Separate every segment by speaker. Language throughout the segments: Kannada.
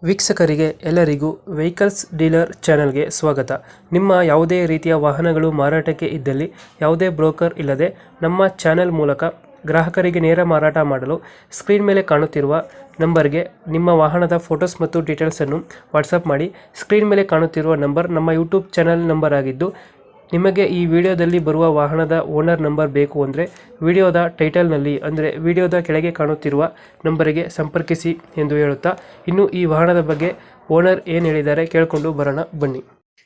Speaker 1: ವೀಕ್ಷಕರಿಗೆ ಎಲ್ಲರಿಗೂ ವೆಹಿಕಲ್ಸ್ ಡೀಲರ್ ಚಾನೆಲ್ಗೆ ಸ್ವಾಗತ. ನಿಮ್ಮ ಯಾವುದೇ ರೀತಿಯ ವಾಹನಗಳು ಮಾರಾಟಕ್ಕೆ ಇದ್ದಲ್ಲಿ ಯಾವುದೇ ಬ್ರೋಕರ್ ಇಲ್ಲದೆ ನಮ್ಮ ಚಾನೆಲ್ ಮೂಲಕ ಗ್ರಾಹಕರಿಗೆ ನೇರ ಮಾರಾಟ ಮಾಡಲು ಸ್ಕ್ರೀನ್ ಮೇಲೆ ಕಾಣುತ್ತಿರುವ ನಂಬರ್ಗೆ ನಿಮ್ಮ ವಾಹನದ ಫೋಟೋಸ್ ಮತ್ತು ಡೀಟೇಲ್ಸನ್ನು ವಾಟ್ಸಪ್ ಮಾಡಿ. ಸ್ಕ್ರೀನ್ ಮೇಲೆ ಕಾಣುತ್ತಿರುವ ನಂಬರ್ ನಮ್ಮ ಯೂಟ್ಯೂಬ್ ಚಾನೆಲ್ ನಂಬರ್ ಆಗಿದ್ದು, ನಿಮಗೆ ಈ ವಿಡಿಯೋದಲ್ಲಿ ಬರುವ ವಾಹನದ ಓನರ್ ನಂಬರ್ ಬೇಕು ಅಂದರೆ ವಿಡಿಯೋದ ಟೈಟಲ್ನಲ್ಲಿ ಅಂದರೆ ವಿಡಿಯೋದ ಕೆಳಗೆ ಕಾಣುತ್ತಿರುವ ನಂಬರಿಗೆ ಸಂಪರ್ಕಿಸಿ ಎಂದು ಹೇಳುತ್ತಾ, ಇನ್ನು ಈ ವಾಹನದ ಬಗ್ಗೆ ಓನರ್ ಏನು ಹೇಳಿದ್ದಾರೆ ಕೇಳಿಕೊಂಡು ಬರೋಣ ಬನ್ನಿ.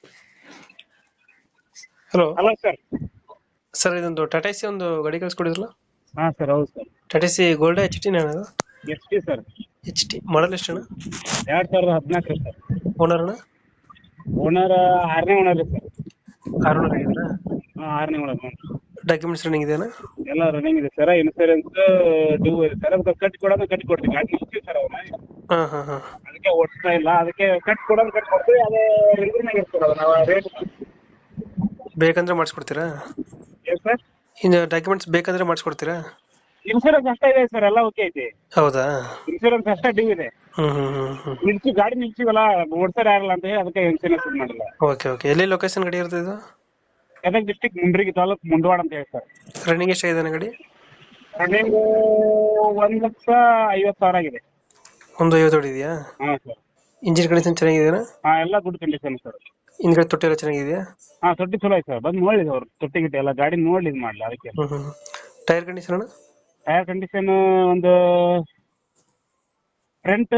Speaker 1: Hello
Speaker 2: hello sir.
Speaker 1: ಸರ್, ಇದೊಂದು ಟಾಟಾ ಸಿ ಒಂದು ಗಾಡಿ ಕಳಿಸ್ಕೊಡಿದ್ರಲ್ಲ?
Speaker 2: ಹಾಂ ಸರ್, ಹೌದು sir.
Speaker 1: Tata C gold H T ನಾನು
Speaker 2: H T sir.
Speaker 1: H T model ಎಷ್ಟಣ್ಣ?
Speaker 2: 2014 ಸರ್.
Speaker 1: ಓನರ್ ಅಣ್ಣ?
Speaker 2: ಓನರ್ 6ನೇ ಓನರ್ ಸರ್.
Speaker 1: 6 ಆಗಿದ್ದೀರಾ?
Speaker 2: ಹಾಂ, 6ನೇ ಓನರ್.
Speaker 1: ಡಾಕ್ಯುಮೆಂಟ್ಸ್ ರನ್ನಿಂಗ್ ಇದೆಯಾ?
Speaker 2: ಎಲ್ಲ ರನ್ನಿಂಗ್ ಇದೆ ಸರ್. ಇನ್ಸೂರೆನ್ಸ್ ಡ್ಯೂ ಇದೆ ಸರ್. ಅದಕ್ಕೆ ಕಟ್ಟಿ ಕೊಡ್ತೀವಿ. ಗಾಡಿ ನಿಲ್ತೀವಿ ಸರ್ ಅವನ್ನ.
Speaker 1: ಹಾಂ ಹಾಂ ಹಾಂ.
Speaker 2: ಅದಕ್ಕೆ ಓಡಿಸ್ತಾ ಇಲ್ಲ. ಅದಕ್ಕೆ ಕಟ್ಟಿ ಕೊಡ್ತೀವಿ. ಅದೇ ರಿಲ್ವಿನಾಗ ಇರ್ತದೆ ಅದು. ನಾವು ರೇಟ್
Speaker 1: ಬೇಕಂದ್ರೆ ಮಾಡಿಸ್ಕೊಡ್ತೀರಾ?
Speaker 2: ಏನು ಸರ್?
Speaker 1: ಇನ್ನು ಡಾಕ್ಯುಮೆಂಟ್ಸ್ ಬೇಕಂದ್ರೆ ಮಾಡಿಸ್ಕೊಡ್ತೀರಾ?
Speaker 2: ಇನ್ಸೂರೆನ್ಸ್ ಅಷ್ಟೇ ಇದೆ ಸರ್. ಎಲ್ಲ ಓಕೆ ಐತಿ.
Speaker 1: ಹೌದಾ?
Speaker 2: ಇನ್ಸೂರೆನ್ಸ್ ಅಷ್ಟೇ ಡ್ಯೂ ಇದೆ. ಗಾಡಿ ನಿಲ್ಸಿವಲ್ಲ, ಓಡ್ಸರ್ ಆಗಲ್ಲ ಅಂತ ಹೇಳಿ ಅದಕ್ಕೆ ಇನ್ಸೂರೆನ್ಸ್ ಇದು ಮಾಡಿಲ್ಲ.
Speaker 1: Okay okay. ಎಲ್ಲಿ ಲೊಕೇಶನ್ ಗಾಡಿ ಇರ್ತದೆ ಇದು?
Speaker 2: ಗದಗ ಡಿಸ್ಟಿಕ್, ಮುಂಡ್ರಿಗಿ ತಾಲೂಕು, ಮುಂಡವಾಡ ಅಂತ ಹೇಳಿ ಸರ್.
Speaker 1: ರನ್ನಿಂಗ್ ಎಷ್ಟಾಗಿದೆ ಗಾಡಿ?
Speaker 2: ರನ್ನಿಂಗ್ 1,50,000 ಆಗಿದೆ.
Speaker 1: 150 ಹೊಡಿದೆಯಾ?
Speaker 2: ಹಾಂ ಸರ್.
Speaker 1: ಇಂಜಿನ್ ಕಂಡೀಷನ್ ಚೆನ್ನಾಗಿದೆಯಾ?
Speaker 2: ಹಾಂ, ಎಲ್ಲ ಗುಡ್ ಕಂಡೀಷನ್ ಸರ್.
Speaker 1: ಹಿಂದ್ಗಡೆ ತೊಟ್ಟಿ ಎಲ್ಲ ಚೆನ್ನಾಗಿದೆಯಾ?
Speaker 2: ಹಾಂ, ತೊಟ್ಟಿ ಚಲೋ ಐತೆ ಸರ್. ಬಂದು ನೋಡಿದೆ ಅವರು. ತೊಟ್ಟಿ ಗಿಟ್ಟಿ ಎಲ್ಲ ಗಾಡಿ ನೋಡಿ ಇದು ಮಾಡಲಿ ಅದಕ್ಕೆ.
Speaker 1: ಟೈರ್ ಕಂಡೀಷನ್ ಅಣ್ಣ?
Speaker 2: ಟೈರ್ ಕಂಡೀಷನ್ ಒಂದು ಫ್ರಂಟ್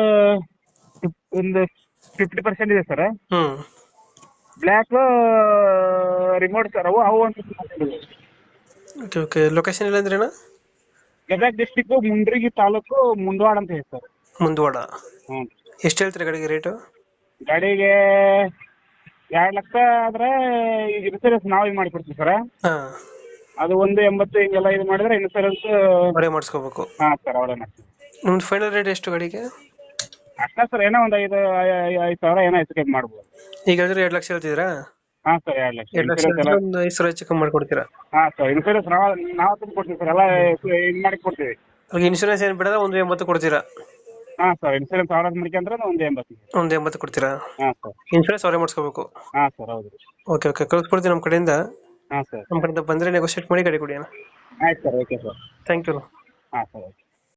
Speaker 2: ಒಂದು 50% ಇದೆ ಸರ್. Black remote sir. ಅವು ಒಂದು 50% ಇದೆ.
Speaker 1: Okay okay. ಲೊಕೇಶನ್ ಇಲ್ಲ ಅಂದ್ರೆ ಅಣ್ಣ?
Speaker 2: ಗದಗ ಡಿಸ್ಟಿಕ್, ಮುಂಡ್ರಿಗಿ ತಾಲೂಕು, ಮುಂಡವಾಡ ಅಂತ ಹೇಳಿ ಸರ್.
Speaker 1: ಮುಂದವಾಡ.
Speaker 2: ಹ್ಞೂ.
Speaker 1: ಎಷ್ಟು ಹೇಳ್ತೀರಾ ಗಾಡಿಗೆ ರೇಟು?
Speaker 2: ಗಾಡಿಗೆ 2 ಲಕ್ಷ ಆದರೆ ಈಗ ಇನ್ಸೂರೆನ್ಸ್ ನಾವು ಇದು ಮಾಡಿಕೊಡ್ತೀವಿ ಸರ್.
Speaker 1: ಹಾಂ.
Speaker 2: ಅದು 1,80 ಹಿಂಗೆಲ್ಲ ಇದು ಮಾಡಿದ್ರೆ ಇನ್ಸೂರೆನ್ಸ್
Speaker 1: ಅವರೇ ಮಾಡಿಸ್ಕೋಬೇಕು?
Speaker 2: ಹಾಂ ಸರ್, ಅವರೇ ಮಾಡ್ತೀವಿ.
Speaker 1: ನಿಮ್ದು ಫೈನಲ್ ರೇಟ್ ಎಷ್ಟು ಗಾಡಿಗೆ?
Speaker 2: ಅಷ್ಟೇ ಸರ್. ಏನೋ ಒಂದು 5,000 ಏನೋ ಹೆಚ್ಚು ಕಮ್ಮಿ ಮಾಡ್ಬೋದು.
Speaker 1: ಈಗ ಹೇಳಿದ್ರೆ 2 ಲಕ್ಷ ಹೇಳ್ತಿದ್ದೀರಾ?
Speaker 2: ಹಾಂ ಸರ್, 2 ಲಕ್ಷ.
Speaker 1: 2 ಲಕ್ಷ ಒಂದು 5,000 ಹೆಚ್ಚು ಕಮ್ಮಿ ಮಾಡ್ಕೊಡ್ತೀರಾ?
Speaker 2: ಹಾಂ ಸರ್. ಇನ್ಸೂರೆನ್ಸ್ ನಾವು ತಂದು ಕೊಡ್ತೀವಿ ಸರ್. ಎಲ್ಲ ಇದು ಮಾಡಿ ಕೊಡ್ತೀವಿ.
Speaker 1: ಈಗ ಇನ್ಶೂರೆನ್ಸ್ ಏನು ಬಿಡೋದ 180 ಕೊಡ್ತೀರಾ?
Speaker 2: ಹಾಂ ಸರ್. ಇನ್ಸೂರೆನ್ಸ್ ಅವ್ರ ಮಾಡ್ಕೊಂಡ್ರೆ 1,80.
Speaker 1: 180 ಕೊಡ್ತೀರಾ?
Speaker 2: ಹಾಂ ಸರ್.
Speaker 1: ಇನ್ಶೂರೆನ್ಸ್ ಅವರೇ ಮಾಡಿಸ್ಕೋಬೇಕು?
Speaker 2: ಹಾಂ ಸರ್, ಹೌದು.
Speaker 1: Okay okay. ಕಳಿಸ್ಕೊಡ್ತೀನಿ ನಮ್ಮ ಕಡೆಯಿಂದ.
Speaker 2: ಹಾಂ ಸರ್.
Speaker 1: ನಮ್ಮ ಕಡೆಯಿಂದ ಬಂದರೆ ನೆಗೋಷಿಯೇಟ್ ಮಾಡಿ ಗಾಡಿ ಕೊಡಿ ಅಣ್ಣ.
Speaker 2: ಆಯ್ತು sir. Okay sir.
Speaker 1: Thank you.
Speaker 2: ಹಾಂ ಸರ್, ಓಕೆ.